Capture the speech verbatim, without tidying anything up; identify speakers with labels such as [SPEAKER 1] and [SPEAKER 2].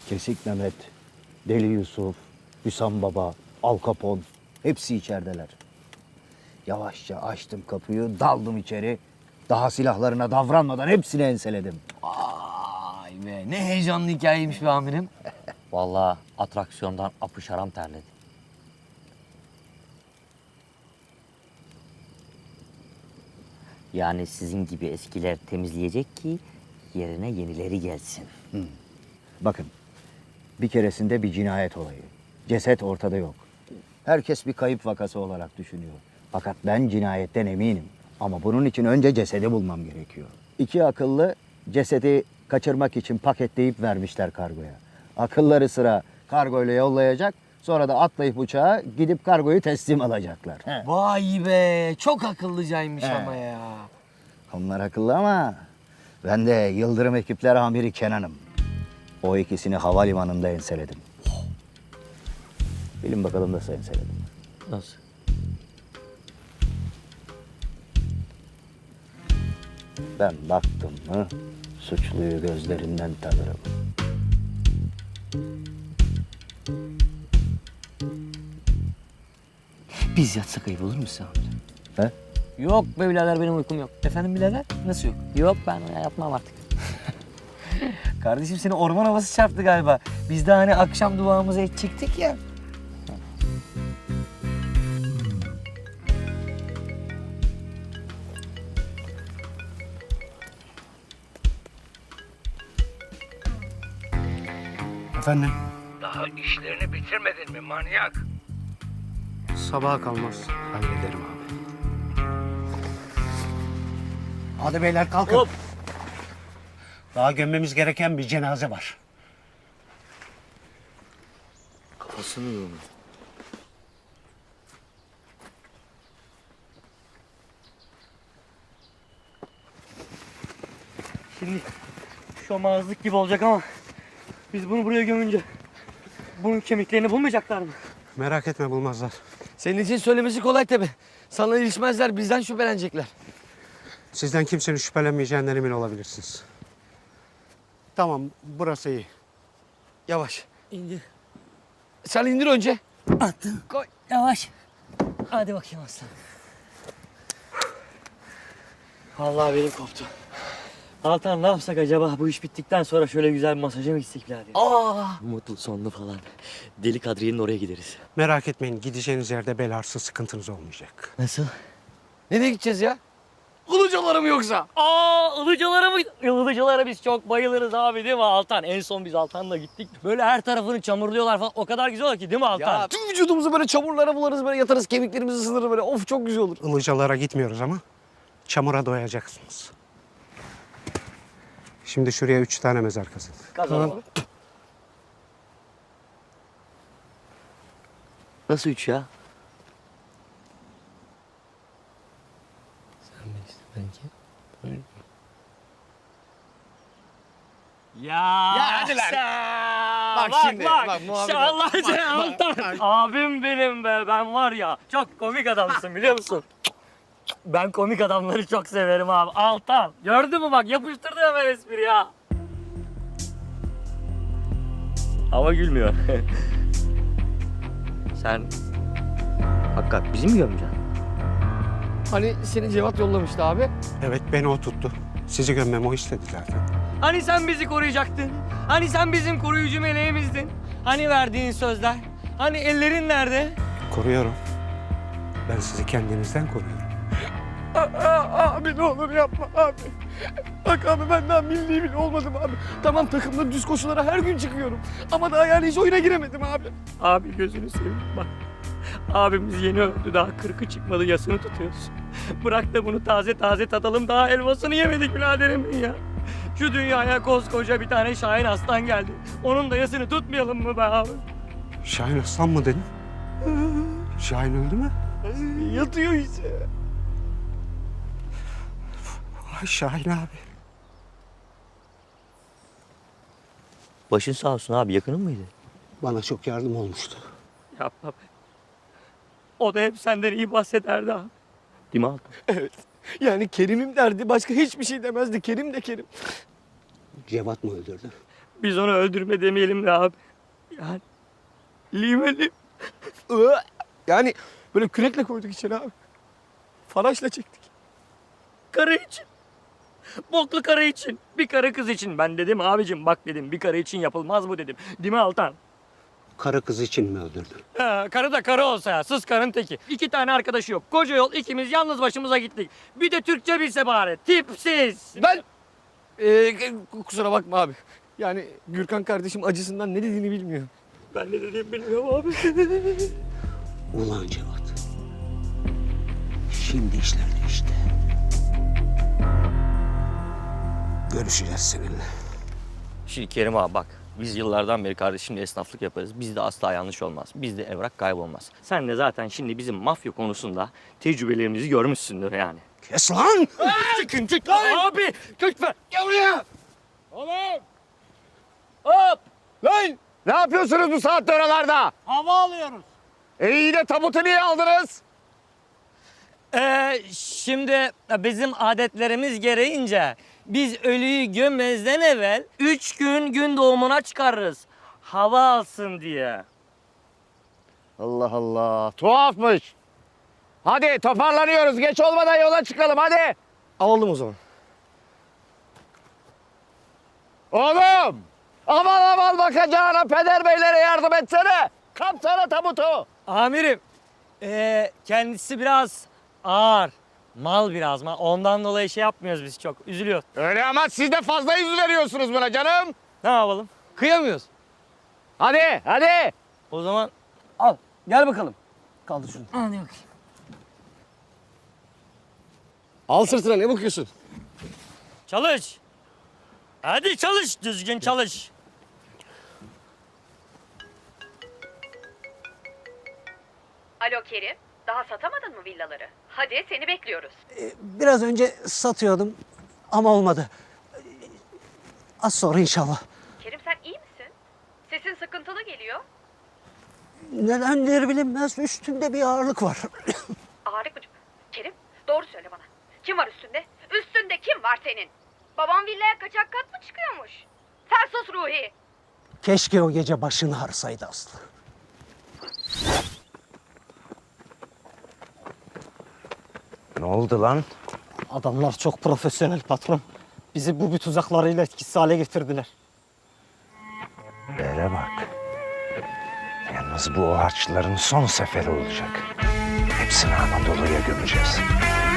[SPEAKER 1] Kesik Mehmet, Deli Yusuf, Hüsam Baba, Al Capone hepsi içerideler. Yavaşça açtım kapıyı, daldım içeri. Daha silahlarına davranmadan hepsini enseledim.
[SPEAKER 2] Vay be, ne heyecanlı hikayeymiş be amirim.
[SPEAKER 3] Vallahi atraksiyondan apış haram terledi. Yani sizin gibi eskiler temizleyecek ki yerine yenileri gelsin.
[SPEAKER 1] Bakın, bir keresinde bir cinayet olayı. Ceset ortada yok. Herkes bir kayıp vakası olarak düşünüyor. Fakat ben cinayetten eminim. Ama bunun için önce cesedi bulmam gerekiyor. İki akıllı cesedi kaçırmak için paketleyip vermişler kargoya. Akılları sıra kargoyla yollayacak. Sonra da atlayıp uçağa gidip kargoyu teslim alacaklar. He.
[SPEAKER 2] Vay be, çok akıllıcaymış
[SPEAKER 1] He.
[SPEAKER 2] ama ya.
[SPEAKER 1] Onlar akıllı ama ben de Yıldırım Ekipler Amiri Kenan'ım. O ikisini havalimanında enseledim. Bilin bakalım nasıl enseledim.
[SPEAKER 3] Nasıl?
[SPEAKER 1] Ben baktım mı suçluyu gözlerinden tanırım.
[SPEAKER 3] Biz yatsak ayıp olur mu size amirim?
[SPEAKER 1] He?
[SPEAKER 3] Yok be birader, benim uykum yok. Efendim birader? Nasıl yok? Yok, ben yapmam artık.
[SPEAKER 2] Kardeşim seni orman havası çarptı galiba. Biz de hani akşam duamızı edecektik ya.
[SPEAKER 4] Efendim?
[SPEAKER 5] Daha işlerini bitirmedin mi manyak?
[SPEAKER 4] Sabaha kalmaz. Hallederim abi. Hadi beyler kalkın.
[SPEAKER 3] Hop.
[SPEAKER 4] Daha gömmemiz gereken bir cenaze var.
[SPEAKER 3] Kafasını yiyorum.
[SPEAKER 6] Şimdi şomazlık gibi olacak ama biz bunu buraya gömünce bunun kemiklerini bulmayacaklar mı?
[SPEAKER 4] Merak etme, bulmazlar.
[SPEAKER 2] Senin için söylemesi kolay tabii. Sana ilişmezler, bizden şüphelenecekler.
[SPEAKER 4] Sizden kimsenin şüphelenmeyeceğinden emin olabilirsiniz. Tamam, burası iyi.
[SPEAKER 2] Yavaş.
[SPEAKER 6] İndir.
[SPEAKER 2] Sen indir önce.
[SPEAKER 6] Attım.
[SPEAKER 2] Koy.
[SPEAKER 6] Yavaş. Hadi bakayım aslan. Vallahi benim koptu. Altan ne yapsak acaba bu iş bittikten sonra şöyle güzel bir masaja mı gitsek birader?
[SPEAKER 2] Aa!
[SPEAKER 3] Mutlu sonlu falan. Deli Kadriye'nin oraya gideriz.
[SPEAKER 4] Merak etmeyin, gideceğiniz yerde bel ağrısı sıkıntınız olmayacak.
[SPEAKER 3] Nasıl?
[SPEAKER 2] Nereye gideceğiz ya? Ilıcalara mı yoksa?
[SPEAKER 6] Aa ılıcalara mı? Ilıcalara biz çok bayılırız abi değil mi Altan? En son biz Altan'la gittik. Böyle her tarafını çamurluyorlar falan. O kadar güzel ki değil mi Altan?
[SPEAKER 2] Ya tüm vücudumuzu böyle çamurlara bularız, böyle yatarız, kemiklerimizi ısınır böyle. Of çok güzel olur.
[SPEAKER 4] Ilıcalara gitmiyoruz ama çamura doyacaksınız. Şimdi şuraya üç tane mezar kazın.
[SPEAKER 6] Kazanalım.
[SPEAKER 3] Nasıl üç ya?
[SPEAKER 6] Ya,
[SPEAKER 2] Ya hadi lan.
[SPEAKER 6] sen-
[SPEAKER 2] Bak
[SPEAKER 6] bak
[SPEAKER 2] şimdi,
[SPEAKER 6] bak.
[SPEAKER 2] bak muhabbet-
[SPEAKER 6] Allah seni Altan. Abim benim be. Ben var ya çok komik adamsın biliyor musun? Ben komik adamları çok severim abi. Altan. Gördün mü bak yapıştırdı hemen espri ya. Hava gülmüyor.
[SPEAKER 3] Sen hakikaten bizi mi gömeceksin?
[SPEAKER 2] Hani seni Cevat yollamıştı abi.
[SPEAKER 4] Evet, beni o tuttu. Sizi gömmemi o istedi zaten.
[SPEAKER 6] Hani sen bizi koruyacaktın? Hani sen bizim koruyucu meleğimizdin? Hani verdiğin sözler? Hani ellerin nerede?
[SPEAKER 4] Koruyorum. Ben sizi kendinizden koruyorum.
[SPEAKER 2] Abi ne olur yapma abi. Bak abi ben daha milli bile olmadım abi. Tamam takımda düz koşulara her gün çıkıyorum. Ama daha yani hiç oyuna giremedim abi.
[SPEAKER 6] Abi gözünü seveyim bak. Abimiz yeni öldü daha kırkı çıkmadı yasını tutuyoruz. Bırak da bunu taze taze tadalım daha elmasını yemedik biraderimin ya. Şu dünyaya koskoca bir tane Şahin Aslan geldi. Onun da yasını tutmayalım mı be abi?
[SPEAKER 4] Şahin Aslan mı dedin? Şahin öldü mü?
[SPEAKER 2] Yatıyor işte.
[SPEAKER 4] Ay Şahin abi.
[SPEAKER 3] Başın sağ olsun abi, yakının mıydı?
[SPEAKER 4] Bana çok yardım olmuştu.
[SPEAKER 6] Yapma be. O da hep senden iyi bahsederdi abi.
[SPEAKER 3] Değil mi Altan?
[SPEAKER 2] Evet. Yani Kerim'im derdi başka hiçbir şey demezdi. Kerim de Kerim.
[SPEAKER 4] Cevat mı öldürdü?
[SPEAKER 6] Biz onu öldürme demeyelim de abi. Yani limelim.
[SPEAKER 2] Iı, Yani böyle kürekle koyduk içeri abi. Faraşla çektik.
[SPEAKER 6] Karı için. Boklu karı için. Bir karı kız için. Ben dedim abicim bak dedim bir karı için yapılmaz bu dedim. Değil mi Altan?
[SPEAKER 4] Karı kız için mi öldürdün?
[SPEAKER 6] Ha, karı da karı olsa ya. Sız karın teki. İki tane arkadaşı yok. Koca yol ikimiz yalnız başımıza gittik. Bir de Türkçe bilse bari. Tipsiz.
[SPEAKER 2] Ben Ee, kusura bakma abi. Yani Gürkan kardeşim acısından ne dediğini bilmiyor.
[SPEAKER 6] Ben ne dediğimi bilmiyorum abi.
[SPEAKER 4] Ulan Cevat. Şimdi işler değişti. Görüşeceğiz seninle.
[SPEAKER 6] Şimdi Kerim abi bak. Biz yıllardan beri kardeşimle esnaflık yaparız. Bizde asla yanlış olmaz. Bizde evrak kaybolmaz. Sen de zaten şimdi bizim mafya konusunda tecrübelerimizi görmüşsündür yani.
[SPEAKER 4] Kes lan!
[SPEAKER 6] Çıkın çık abi. Lütfen. Gel buraya. Oğlum. Hop.
[SPEAKER 1] Lan! Ne yapıyorsunuz bu saatte oralarda?
[SPEAKER 6] Hava alıyoruz.
[SPEAKER 1] E iyi de tabutu niye aldınız?
[SPEAKER 6] Ee, şimdi bizim adetlerimiz gereğince biz ölüyü gömmezden evvel üç gün gün doğumuna çıkarırız. Hava alsın diye.
[SPEAKER 1] Allah Allah. Tuhafmış. Hadi toparlanıyoruz. Geç olmadan yola çıkalım hadi.
[SPEAKER 2] Alalım o zaman.
[SPEAKER 1] Oğlum! Aman aman bakacağına peder beylere yardım etsene. Kapsana tabutu.
[SPEAKER 6] Amirim, ee, kendisi biraz ağır. Mal biraz mal. Ondan dolayı şey yapmıyoruz biz çok. Üzülüyor.
[SPEAKER 1] Öyle ama siz de fazla yüz veriyorsunuz buna canım.
[SPEAKER 6] Ne yapalım?
[SPEAKER 2] Kıyamıyoruz.
[SPEAKER 1] Hadi hadi.
[SPEAKER 6] O zaman
[SPEAKER 2] Al gel bakalım. Kaldır şunu.
[SPEAKER 6] hadi bakayım.
[SPEAKER 2] Al sırtına ne bakıyorsun?
[SPEAKER 6] Çalış. Hadi çalış. Düzgün çalış.
[SPEAKER 7] Alo Kerim, daha satamadın mı villaları? Hadi seni bekliyoruz.
[SPEAKER 4] Biraz önce satıyordum ama olmadı. Az sonra inşallah.
[SPEAKER 7] Kerim sen iyi misin? Sesin sıkıntılı geliyor.
[SPEAKER 4] Nedendir bilinmez üstünde bir ağırlık var.
[SPEAKER 7] Ağrık mı? Kerim, doğru söyle bana. Kim var üstünde? Üstünde kim var senin? Babam villaya kaçak kat mı çıkıyormuş? Sen sus Ruhi.
[SPEAKER 4] Keşke o gece başını ağrısaydı Aslı.
[SPEAKER 1] Ne oldu lan?
[SPEAKER 3] Adamlar çok profesyonel patron. Bizi bu bir tuzaklarıyla etkisiz hale getirdiler.
[SPEAKER 8] Bere bak. Yalnız bu o harçların son seferi olacak. Hepsini Anadolu'ya gömeceğiz.